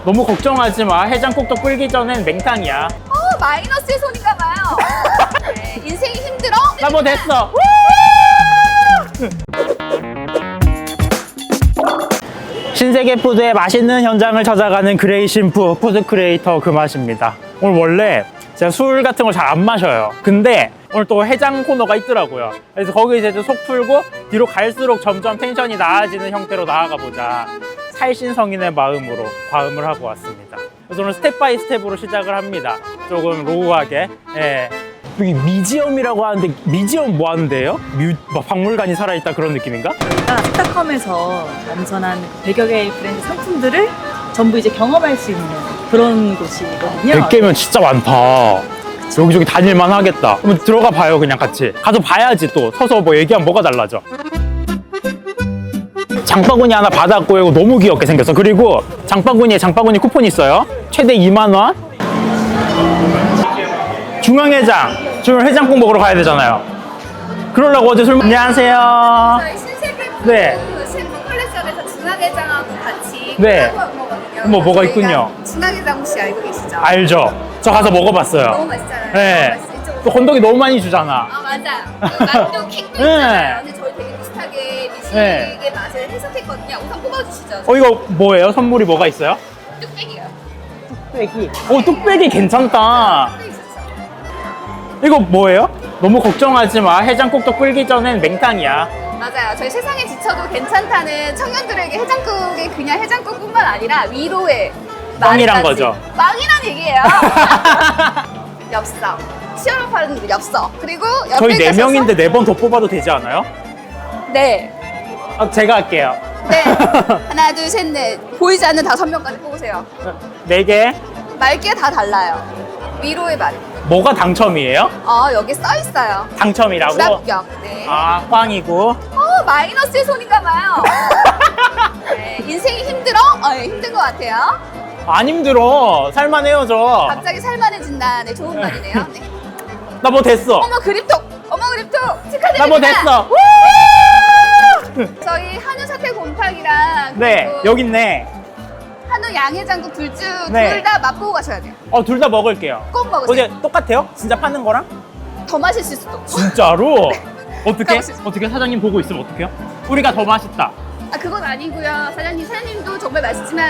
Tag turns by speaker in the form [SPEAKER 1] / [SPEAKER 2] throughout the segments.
[SPEAKER 1] 너무 걱정하지 마. 해장국도 끓기 전엔 맹탕이야.
[SPEAKER 2] 마이너스의 손인가 봐요. 네, 인생이 힘들어?
[SPEAKER 1] 나 뭐 됐어. 신세계 푸드의 맛있는 현장을 찾아가는 그레이 신프 푸드 크리에이터 그 맛입니다. 오늘 원래 제가 술 같은 걸 잘 안 마셔요. 근데 오늘 또 해장 코너가 있더라고요. 그래서 거기 이제 속 풀고 뒤로 갈수록 점점 텐션이 나아지는 형태로 나아가 보자. 살신성인의 마음으로 과음을 하고 왔습니다. 그래서 오늘 스텝 바이 스텝으로 시작을 합니다. 조금 로우하게. 예. 여기 미지엄이라고 하는데 미지엄 뭐 하는데요? 막 박물관이 살아있다 그런 느낌인가?
[SPEAKER 3] 저희가 스타컴에서 엄선한 100여 개의 브랜드 상품들을 전부 이제 경험할 수 있는 그런 곳이거든요.
[SPEAKER 1] 100개면 진짜 많다. 여기저기 다닐만 하겠다. 한번 들어가 봐요, 그냥 같이. 가서 봐야지 또. 서서 뭐 얘기하면 뭐가 달라져. 장바구니 하나 받았고 이거 너무 귀엽게 생겼어. 그리고 장바구니에 장바구니 쿠폰이 있어요. 최대 2만 원. 중앙회장. 지금 해장국 먹으러 가야 되잖아요. 그러려고 어제 술 안녕하세요.
[SPEAKER 2] 저희 신세계
[SPEAKER 1] 네.
[SPEAKER 2] 셰프 컬렉션에서 중화게장하고 같이
[SPEAKER 1] 네.
[SPEAKER 2] 먹거든요.
[SPEAKER 1] 뭐가 있군요.
[SPEAKER 2] 중화게장 혹시 알고 계시죠?
[SPEAKER 1] 알죠? 저 가서 먹어봤어요.
[SPEAKER 2] 너무 맛있잖아요.
[SPEAKER 1] 네.
[SPEAKER 2] 너무 맛있죠? 이쪽으로
[SPEAKER 1] 또 건더기 너무 많이 주잖아.
[SPEAKER 2] 아 맞아. 그 만두 킹도
[SPEAKER 1] 네.
[SPEAKER 2] 있잖아요. 근데 저희 되게 비슷하게 미식의
[SPEAKER 1] 네.
[SPEAKER 2] 맛을 해석했거든요. 우선 뽑아주시죠.
[SPEAKER 1] 이거 뭐예요? 선물이 뭐가 있어요?
[SPEAKER 2] 뚝배기요.
[SPEAKER 1] 뚝배기. 뚝배기 괜찮다.
[SPEAKER 2] 뚝배기 좋죠.
[SPEAKER 1] 이거 뭐예요? 너무 걱정하지 마. 해장국도 끓기 전엔 맹탕이야.
[SPEAKER 2] 맞아요. 저희 세상에 지쳐도 괜찮다는 청년들에게 해장국이 그냥 해장국뿐만 아니라 위로의
[SPEAKER 1] 빵이란
[SPEAKER 2] 말까지.
[SPEAKER 1] 거죠.
[SPEAKER 2] 빵이란 얘기예요. 엽서. 치열한 파는 엽서. 그리고
[SPEAKER 1] 저희
[SPEAKER 2] 옆에
[SPEAKER 1] 4명인데 4번 더 뽑아도 되지 않아요?
[SPEAKER 2] 네.
[SPEAKER 1] 제가 할게요.
[SPEAKER 2] 네. 하나, 둘, 셋, 넷. 보이지 않는 5명까지 뽑으세요.
[SPEAKER 1] 4개.
[SPEAKER 2] 말게 다 달라요. 위로의 말.
[SPEAKER 1] 뭐가 당첨이에요?
[SPEAKER 2] 여기 써 있어요.
[SPEAKER 1] 당첨이라고?
[SPEAKER 2] 불합격. 네.
[SPEAKER 1] 아, 꽝이고.
[SPEAKER 2] 마이너스의 손인가 봐요. 네. 인생이 힘들어? 네, 힘든 것 같아요.
[SPEAKER 1] 안 힘들어. 살만해요, 저.
[SPEAKER 2] 갑자기 살만해진다. 네, 좋은 말이네요. 네.
[SPEAKER 1] 나 뭐 됐어.
[SPEAKER 2] 어머 그립톡! 어머 그립톡! 축하드립니다.
[SPEAKER 1] 나 뭐 됐어.
[SPEAKER 2] 저희 한우 사태 곰탕이랑
[SPEAKER 1] 네,
[SPEAKER 2] 그리고
[SPEAKER 1] 여기 있네.
[SPEAKER 2] 한우 양해장국 둘
[SPEAKER 1] 네.
[SPEAKER 2] 다 맛보고 가셔야 돼요.
[SPEAKER 1] 둘 다 먹을게요.
[SPEAKER 2] 꼭 먹으세요.
[SPEAKER 1] 어제 똑같아요? 진짜 파는 거랑?
[SPEAKER 2] 더 맛있을 수도.
[SPEAKER 1] 진짜로? 어떻게?
[SPEAKER 2] 가보시죠.
[SPEAKER 1] 어떻게 사장님 보고 있으면 어떡해요? 우리가 더 맛있다.
[SPEAKER 2] 그건 아니고요. 사장님도 정말 맛있지만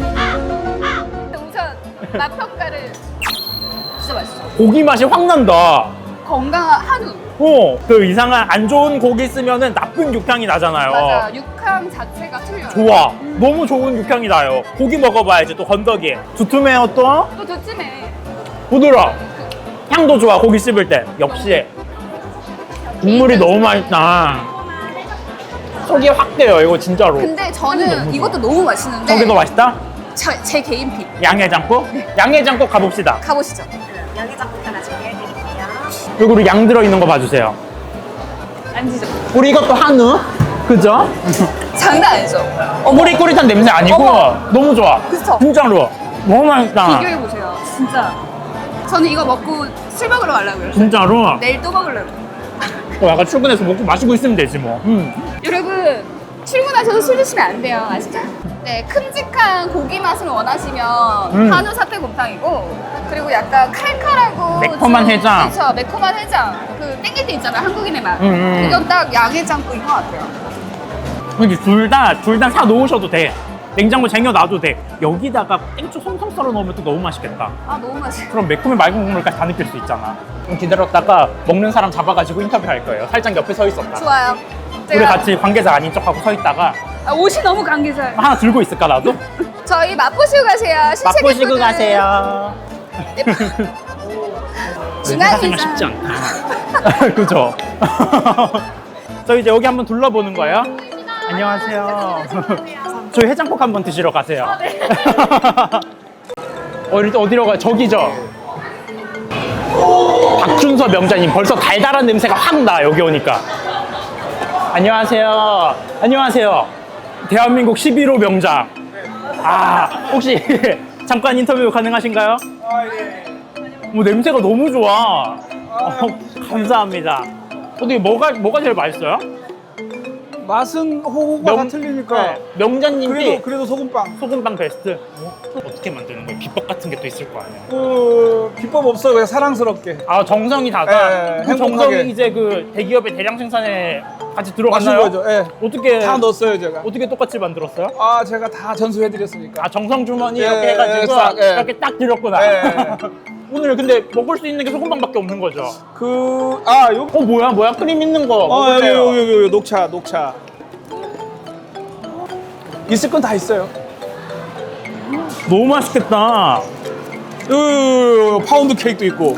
[SPEAKER 2] 우선 맛 평가를 진짜 맛있어.
[SPEAKER 1] 고기 맛이 확 난다.
[SPEAKER 2] 건강한 한우.
[SPEAKER 1] 그 이상한 안 좋은 고기 쓰면은 나쁜 육향이 나잖아요.
[SPEAKER 2] 맞아. 육향 자체가 틀려요.
[SPEAKER 1] 좋아. 너무 좋은 육향이 나요. 고기 먹어봐야지 또 건더기. 두툼해요 또.
[SPEAKER 2] 또 두찜해.
[SPEAKER 1] 부드러워. 향도 좋아 고기 씹을 때. 역시 국물이 너무 맛있다. 속이 확 돼요 이거 진짜로.
[SPEAKER 2] 근데
[SPEAKER 1] 너무
[SPEAKER 2] 저는
[SPEAKER 1] 좋아.
[SPEAKER 2] 이것도 너무 맛있는데
[SPEAKER 1] 저게 더 맛있다?
[SPEAKER 2] 제 개인 픽.
[SPEAKER 1] 양해장국? 양해장국 가봅시다.
[SPEAKER 2] 가보시죠.
[SPEAKER 3] 양해장국 하나 준비해드릴게요.
[SPEAKER 1] 그리고 우리 양 들어있는 거 봐주세요.
[SPEAKER 3] 앉으죠.
[SPEAKER 1] 우리 이것도 한우. 그죠?
[SPEAKER 2] 장난 아니죠?
[SPEAKER 1] 꼬릿꼬릿한 냄새 아니고
[SPEAKER 2] 어머.
[SPEAKER 1] 너무 좋아.
[SPEAKER 2] 그쵸?
[SPEAKER 1] 진짜로. 너무 맛있다.
[SPEAKER 2] 비교해보세요. 진짜. 저는 이거 먹고 술 먹으러 가려고요.
[SPEAKER 1] 진짜로.
[SPEAKER 2] 내일 또 먹으려고.
[SPEAKER 1] 약간 출근해서 먹고 마시고 있으면 되지 뭐.
[SPEAKER 2] 여러분, 출근하셔서 술 드시면 안 돼요. 아시죠? 네, 큼직한 고기 맛을 원하시면 한우 사태 곰탕이고, 그리고 약간 칼칼하고
[SPEAKER 1] 매콤한
[SPEAKER 2] 좀-
[SPEAKER 1] 해장.
[SPEAKER 2] 그쵸, 매콤한 해장. 그 땡길 때 있잖아요, 한국인의 맛.
[SPEAKER 1] 음.
[SPEAKER 2] 이건 딱 양해장국인 것 같아요.
[SPEAKER 1] 근데 둘 다 사 놓으셔도 돼. 냉장고 쟁여놔도 돼. 여기다가 땡초 송송 썰어 넣으면 또 너무 맛있겠다.
[SPEAKER 2] 너무 맛있어.
[SPEAKER 1] 그럼 매콤한 맑은 국물까지 다 느낄 수 있잖아. 좀 기다렸다가 먹는 사람 잡아가지고 인터뷰할 거예요. 살짝 옆에 서 있었다.
[SPEAKER 2] 좋아요.
[SPEAKER 1] 우리 같이 관계자 아닌 척하고 서 있다가
[SPEAKER 2] 옷이 너무 감기져요.
[SPEAKER 1] 하나 들고 있을까 나도?
[SPEAKER 2] 저희 맛보시고 가세요. 신세계
[SPEAKER 1] 맛보시고
[SPEAKER 2] 푸드.
[SPEAKER 1] 가세요.
[SPEAKER 2] 중앙회장.
[SPEAKER 1] 쉽지 않다. 그죠? 저 이제 여기 한번 둘러보는 거예요. 안녕하세요. 저희 해장국 한번 드시러 가세요. 어디로 가요? 저기죠? 박준서 명자님 벌써 달달한 냄새가 확 나 여기 오니까. 안녕하세요. 안녕하세요. 대한민국 11호 명작. 혹시 잠깐 인터뷰 가능하신가요? 냄새가 너무 좋아. 감사합니다. 어떻게 뭐가 제일 맛있어요?
[SPEAKER 4] 맛은 호구가 다 틀리니까.
[SPEAKER 1] 네, 명자님이
[SPEAKER 4] 그래도 소금빵.
[SPEAKER 1] 소금빵 베스트. 어떻게 만드는 거예요? 비법 같은 게 또 있을 거 아니에요?
[SPEAKER 4] 그 비법 없어 그냥 사랑스럽게.
[SPEAKER 1] 아 정성이 다다.
[SPEAKER 4] 예,
[SPEAKER 1] 그
[SPEAKER 4] 행복하게.
[SPEAKER 1] 정성이 이제 그 대기업의 대량 생산에 같이
[SPEAKER 4] 맞춘
[SPEAKER 1] 들어갔나요?
[SPEAKER 4] 거죠. 예.
[SPEAKER 1] 어떻게
[SPEAKER 4] 다 넣었어요 제가.
[SPEAKER 1] 어떻게 똑같이 만들었어요?
[SPEAKER 4] 아 제가 다 전수해드렸으니까.
[SPEAKER 1] 아 정성 주머니
[SPEAKER 4] 예,
[SPEAKER 1] 이렇게 해가지고
[SPEAKER 4] 예, 싹, 예.
[SPEAKER 1] 이렇게 딱 드렸구나.
[SPEAKER 4] 예.
[SPEAKER 1] 오늘 근데 먹을 수 있는 게 소금빵밖에 없는 거죠?
[SPEAKER 4] 여기.
[SPEAKER 1] 뭐야 크림 있는 거
[SPEAKER 4] 여기,
[SPEAKER 1] 먹을래요?
[SPEAKER 4] 여기 녹차. 있을 건 다 있어요.
[SPEAKER 1] 너무 맛있겠다.
[SPEAKER 4] 파운드 케이크도 있고.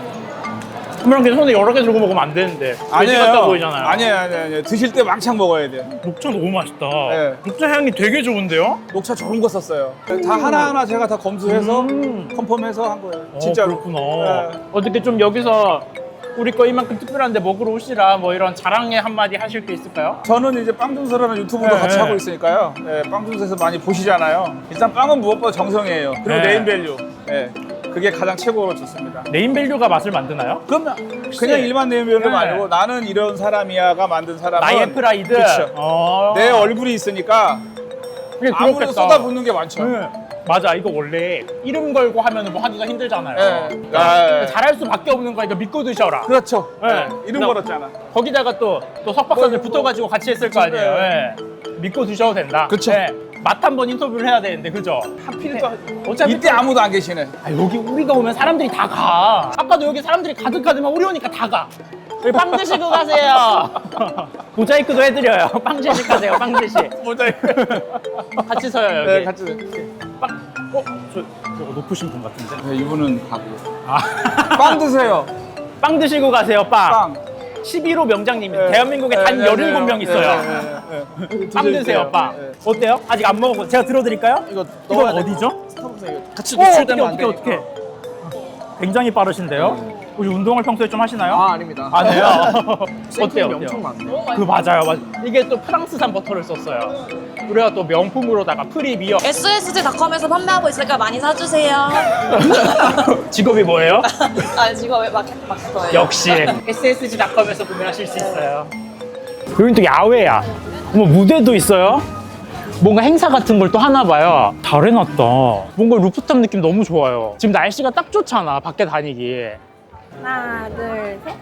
[SPEAKER 1] 이렇게 손에 여러 개 들고 먹으면 안 되는데 돼지 같아 보이잖아요.
[SPEAKER 4] 아니에요. 드실 때 왕창 먹어야 돼.
[SPEAKER 1] 녹차 너무 맛있다.
[SPEAKER 4] 네.
[SPEAKER 1] 녹차 향이 되게 좋은데요?
[SPEAKER 4] 녹차 좋은 거 썼어요. 다 하나하나 제가 다 검수해서 컨펌해서 한 거예요. 진짜로.
[SPEAKER 1] 그렇구나.
[SPEAKER 4] 네.
[SPEAKER 1] 어떻게 좀 여기서 우리 거 이만큼 특별한데 먹으러 오시라 뭐 이런 자랑의 한마디 하실 게 있을까요?
[SPEAKER 4] 저는 이제 빵준서라는 유튜브도
[SPEAKER 1] 네,
[SPEAKER 4] 같이
[SPEAKER 1] 네.
[SPEAKER 4] 하고 있으니까요. 빵준서에서 많이 보시잖아요. 일단 빵은 무엇보다 정성이에요. 그리고
[SPEAKER 1] 네.
[SPEAKER 4] 네임밸류. 그게 가장 최고로 좋습니다.
[SPEAKER 1] 네임밸류가 맛을 만드나요?
[SPEAKER 4] 그러면 그냥 일반 네임밸류가
[SPEAKER 1] 네.
[SPEAKER 4] 아니고 나는 이런 사람이야가 만든 사람은
[SPEAKER 1] 나의 프라이드.
[SPEAKER 4] 그쵸.
[SPEAKER 1] 어.
[SPEAKER 4] 내 얼굴이 있으니까
[SPEAKER 1] 그게
[SPEAKER 4] 아무래도
[SPEAKER 1] 그렇겠다.
[SPEAKER 4] 쏟아붓는 게 많죠.
[SPEAKER 1] 네. 맞아, 이거 원래 이름 걸고 하면 뭐 하기가 힘들잖아요.
[SPEAKER 4] 네.
[SPEAKER 1] 잘할 수밖에 없는 거니까 믿고 드셔라.
[SPEAKER 4] 그렇죠.
[SPEAKER 1] 네.
[SPEAKER 4] 이름
[SPEAKER 1] 나-
[SPEAKER 4] 걸었잖아.
[SPEAKER 1] 거기다가 또 석박사들 붙어가지고 같이 했을 거 아니에요. 네. 믿고 드셔도 된다.
[SPEAKER 4] 그쵸.
[SPEAKER 1] 맛 한번 인터뷰를 해야 되는데, 그죠?
[SPEAKER 4] 하필 또
[SPEAKER 1] 어차피
[SPEAKER 4] 이때 아무도 안 계시네.
[SPEAKER 1] 아, 여기 우리가 오면 사람들이 다 가. 아까도 여기 사람들이 가득하지만 우리 오니까 다 가. 여기 빵 드시고 가세요. 모자이크도 해드려요. 빵 드시고 가세요. 빵 드시.
[SPEAKER 4] 모자이크.
[SPEAKER 1] 같이 서요 여기.
[SPEAKER 4] 네, 같이.
[SPEAKER 1] 빵. 저거 높으신 분 같은데.
[SPEAKER 4] 네, 이분은 가고.
[SPEAKER 1] 아.
[SPEAKER 4] 빵 드세요.
[SPEAKER 1] 빵 드시고 가세요. 빵.
[SPEAKER 4] 빵.
[SPEAKER 1] 11호 명장님이
[SPEAKER 4] 네.
[SPEAKER 1] 대한민국에
[SPEAKER 4] 네,
[SPEAKER 1] 단
[SPEAKER 4] 네,
[SPEAKER 1] 17명
[SPEAKER 4] 네,
[SPEAKER 1] 있어요.
[SPEAKER 4] 네.
[SPEAKER 1] 빵 드세요. 빵.
[SPEAKER 4] 네.
[SPEAKER 1] 어때요? 아직 안 먹어보. 제가 들어드릴까요?
[SPEAKER 4] 이거
[SPEAKER 1] 이건
[SPEAKER 4] 넣어야 돼.
[SPEAKER 1] 어디죠?
[SPEAKER 4] 같이
[SPEAKER 1] 어떻게
[SPEAKER 4] 노출되면 안 돼.
[SPEAKER 1] 어떻게? 굉장히 빠르신데요? 혹시 운동을 평소에 좀 하시나요?
[SPEAKER 4] 아닙니다.
[SPEAKER 1] 안 해요? 어때요?
[SPEAKER 4] 엄청 많네요.
[SPEAKER 1] 그 맞아요. 이게 또 프랑스산 버터를 썼어요. 우리가 또 명품으로다가 프리미엄.
[SPEAKER 5] SSG닷컴에서 판매하고 있으니까 많이 사주세요.
[SPEAKER 1] 직업이 뭐예요?
[SPEAKER 5] 아, 지금 왜 마케터예요?
[SPEAKER 1] 역시 SSG닷컴에서 구매하실 수 있어요. 여긴 또 야외야. 뭐 무대도 있어요. 뭔가 행사 같은 걸 또 하나 봐요. 잘 해놨다. 뭔가 루프탑 느낌 너무 좋아요. 지금 날씨가 딱 좋잖아. 밖에 다니기.
[SPEAKER 5] 하나, 둘, 셋.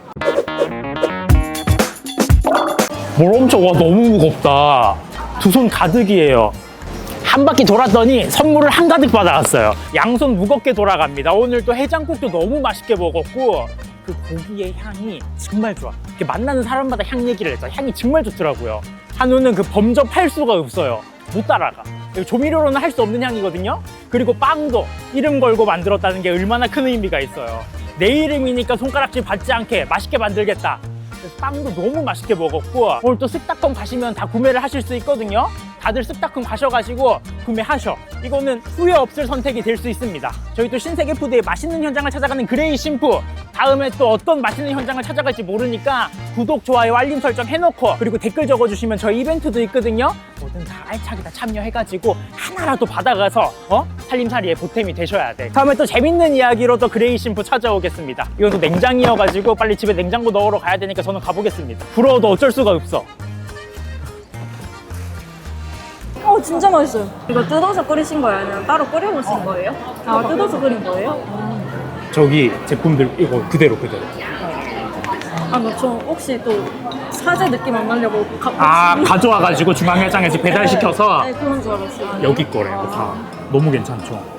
[SPEAKER 1] 뭘 엄청, 와, 너무 무겁다. 두 손 가득이에요. 한 바퀴 돌았더니 선물을 한가득 받아왔어요. 양손 무겁게 돌아갑니다. 오늘 또 해장국도 너무 맛있게 먹었고, 그 고기의 향이 정말 좋아. 이렇게 만나는 사람마다 향 얘기를 했죠. 향이 정말 좋더라고요. 한우는 그 범접할 수가 없어요. 못 따라가. 조미료로는 할 수 없는 향이거든요. 그리고 빵도 이름 걸고 만들었다는 게 얼마나 큰 의미가 있어요. 내 이름이니까 손가락질 받지 않게 맛있게 만들겠다. 그래서 빵도 너무 맛있게 먹었고, 오늘 또 쓱닷컴 가시면 다 구매를 하실 수 있거든요. 다들 쓱닷컴 가셔가지고 구매하셔. 이거는 후회 없을 선택이 될 수 있습니다. 저희 또 신세계 푸드의 맛있는 현장을 찾아가는 그레이 신푸, 다음에 또 어떤 맛있는 현장을 찾아갈지 모르니까 구독, 좋아요, 알림 설정 해놓고, 그리고 댓글 적어주시면 저희 이벤트도 있거든요. 뭐든 다 알차게 다 참여해가지고 하나라도 받아가서 살림살이에 보탬이 되셔야 돼. 다음에 또 재밌는 이야기로 또 그레이 신푸 찾아오겠습니다. 이건 또 냉장이어가지고 빨리 집에 냉장고 넣으러 가야 되니까 저는 가보겠습니다. 부러워도 어쩔 수가 없어.
[SPEAKER 5] 진짜 맛있어요. 이거 뜯어서 끓이신 거예요? 아니면 따로 끓여보신 거예요? 아, 뜯어서 끓인 거예요?
[SPEAKER 1] 저기 제품들 이거 그대로.
[SPEAKER 5] 아, 저 혹시 또 사제 느낌 안 나려고
[SPEAKER 1] 가져와가지고 중앙회장에서 배달시켜서
[SPEAKER 5] 네, 그런 줄 알았어요.
[SPEAKER 1] 여기 거래요. 다 너무 괜찮죠.